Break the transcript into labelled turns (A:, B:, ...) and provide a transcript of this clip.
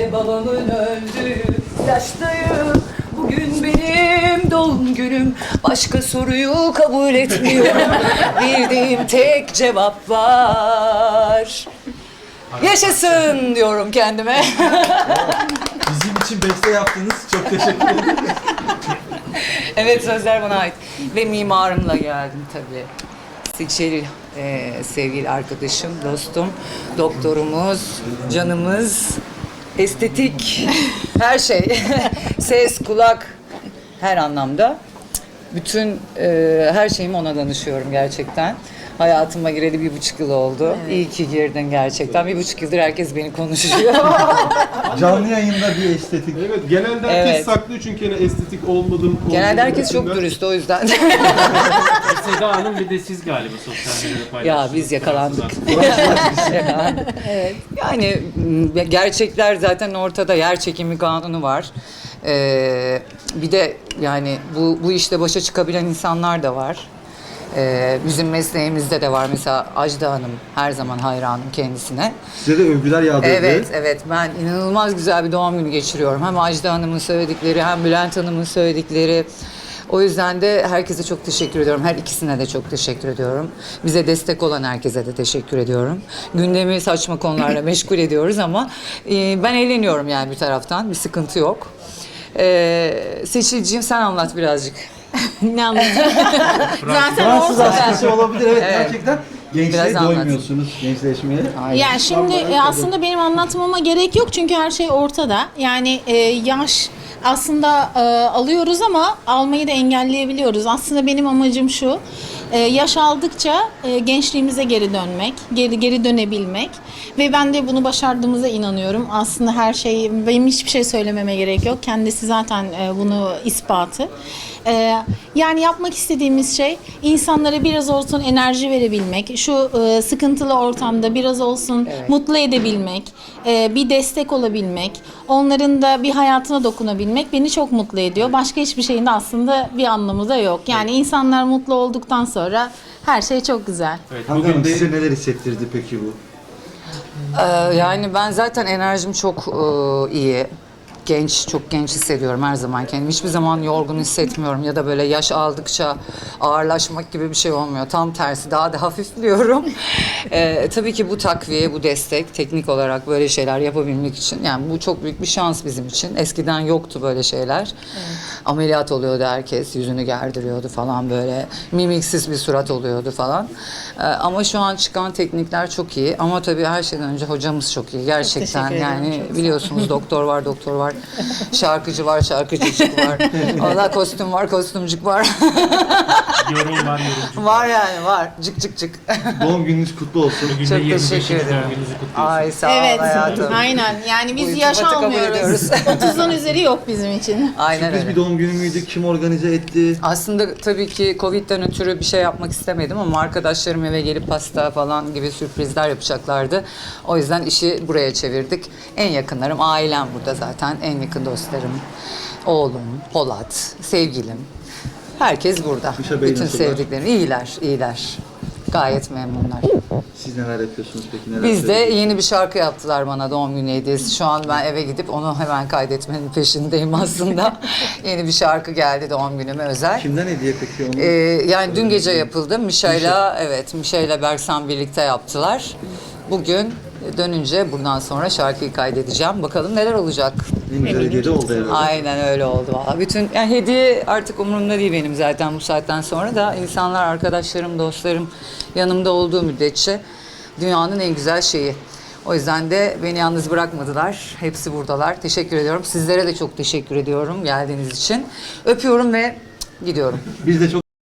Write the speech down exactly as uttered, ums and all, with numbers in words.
A: ve babamın öldüğü yaştayım. Bugün benim doğum günüm. Başka soruyu kabul etmiyorum. Bildiğim tek cevap var. Yaşasın diyorum kendime.
B: Bizim için beste yaptınız. Çok teşekkür ederim.
A: Evet, sözler bana ait. Ve mimarımla geldim tabii. Seçil, e, sevgili arkadaşım, dostum, doktorumuz, canımız, estetik, her şey. Ses, kulak, her anlamda. Bütün e, her şeyimi ona danışıyorum gerçekten. Hayatıma gireli bir buçuk yıl oldu. Evet. İyi ki girdin gerçekten. Bir buçuk yıldır herkes beni konuşuyor.
B: Canlı yayında bir estetik.
C: Evet, genelde herkes
A: Evet.
C: saklıyor çünkü yani estetik olmadım.
A: Genelde herkes çok dürüst, o yüzden.
D: Seda Hanım bir de siz galiba sosyal medyada paylaştınız.
A: Ya biz yakalandık. Evet. Yani m, gerçekler zaten ortada. Yer çekimi kanunu var. Ee, bir de yani bu bu işte başa çıkabilen insanlar da var. Ee, bizim mesleğimizde de var. Mesela Ajda Hanım, her zaman hayranım kendisine.
B: Size de övgüler yağdırdı.
A: Evet, evet. Ben inanılmaz güzel bir doğum günü geçiriyorum. Hem Ajda Hanım'ın söyledikleri, hem Bülent Hanım'ın söyledikleri. O yüzden de herkese çok teşekkür ediyorum. Her ikisine de çok teşekkür ediyorum. Bize destek olan herkese de teşekkür ediyorum. Gündemi saçma konularla meşgul ediyoruz ama e, ben eğleniyorum yani bir taraftan. Bir sıkıntı yok. E, Seçilciğim, sen anlat birazcık.
E: Ne anlatayım? Zaten
B: Fransız
E: ortada.
B: askısı olabilir. Evet,
A: Evet.
B: gerçekten gençliğe
A: Biraz anlat.
B: doymuyorsunuz. Gençleşmeye.
E: Yani şimdi e, aslında benim anlatmama gerek yok çünkü her şey ortada. Yani e, yaş aslında e, alıyoruz ama almayı da engelleyebiliyoruz. Aslında benim amacım şu. e, yaş aldıkça e, gençliğimize geri dönmek, geri geri dönebilmek ve ben de bunu başardığımıza inanıyorum. Aslında her şey, benim hiçbir şey söylememe gerek yok. Kendisi zaten e, bunu ispatı. E, yani yapmak istediğimiz şey insanlara biraz olsun enerji verebilmek, şu e, sıkıntılı ortamda biraz olsun
A: Evet.
E: mutlu edebilmek, e, bir destek olabilmek, onların da bir hayatına dokunabilmek beni çok mutlu ediyor. Başka hiçbir şeyin de aslında bir anlamı da yok. Yani insanlar mutlu olduktan sonra her şey çok güzel.
D: Evet,
B: Hangi
D: bugün
B: Hanım,
D: de
B: size neler hissettirdi peki bu?
A: Ee, yani ben zaten enerjim çok e, iyi. Genç, çok genç hissediyorum her zaman kendimi. Hiçbir zaman yorgun hissetmiyorum ya da böyle yaş aldıkça ağırlaşmak gibi bir şey olmuyor. Tam tersi, daha da hafifliyorum. Ee, tabii ki bu takviye, bu destek, teknik olarak böyle şeyler yapabilmek için. Yani bu çok büyük bir şans bizim için. Eskiden yoktu böyle şeyler. Evet. Ameliyat oluyordu herkes, yüzünü gerdiriyordu falan böyle. Mimiksiz bir surat oluyordu falan. Ee, ama şu an çıkan teknikler çok iyi. Ama tabii her şeyden önce hocamız çok iyi. Gerçekten
E: teşekkür ederim,
A: yani
E: çok sağ ol.
A: biliyorsunuz doktor var, doktor var. Şarkıcı var, şarkıcıcık var. Allah kostüm var, kostümcük var.
D: yorum var, yorumcu.
A: Var yani, var. Cık cık cık.
B: Doğum gününüz kutlu olsun.
D: Bugün de
A: Çok
D: yirmi beşinci
A: teşekkür ederim.
D: doğum gününüzü kutluyorsunuz.
A: Ay sağ ol
E: Evet,
A: hayatım.
E: aynen. Yani
A: Bu
E: biz yaş
A: iltifatı kabul
E: almıyoruz.
A: ediyoruz.
E: otuzun üzeri yok bizim için.
A: Aynen
B: Sürpriz
A: öyle.
B: bir doğum günü müydü? Kim organize etti?
A: Aslında tabii ki Covid'den ötürü bir şey yapmak istemedim ama arkadaşlarım eve gelip pasta falan gibi sürprizler yapacaklardı. O yüzden işi buraya çevirdik. En yakınlarım, ailem burada zaten. En yakın dostlarım. Oğlum, Polat, sevgilim. Herkes burada.
B: Gülşah Bey
A: Bütün
B: nasıllar?
A: sevdiklerim. İyiler, iyiler. Gayet memnunlar.
B: Siz neler yapıyorsunuz peki? Neler
A: Biz de
B: söylüyorsunuz?
A: yeni bir şarkı yaptılar bana doğum günü hediyesi. Şu an ben eve gidip onu hemen kaydetmenin peşindeyim aslında. Yeni bir şarkı geldi doğum günüme özel.
B: Kimden hediye peki onu?
A: Ee, yani dün gece yapıldı. Mişa'yla, evet, Mişa'yla Berksan birlikte yaptılar. Bugün dönünce buradan sonra şarkıyı kaydedeceğim. Bakalım neler olacak.
B: En güzel hediye de oldu herhalde.
A: Aynen öyle oldu valla. Bütün yani hediye artık umurumda değil benim zaten bu saatten sonra da insanlar, arkadaşlarım, dostlarım yanımda olduğu müddetçe dünyanın en güzel şeyi. O yüzden de beni yalnız bırakmadılar. Hepsi buradalar. Teşekkür ediyorum. Sizlere de çok teşekkür ediyorum geldiğiniz için. Öpüyorum ve gidiyorum.
B: Biz de çok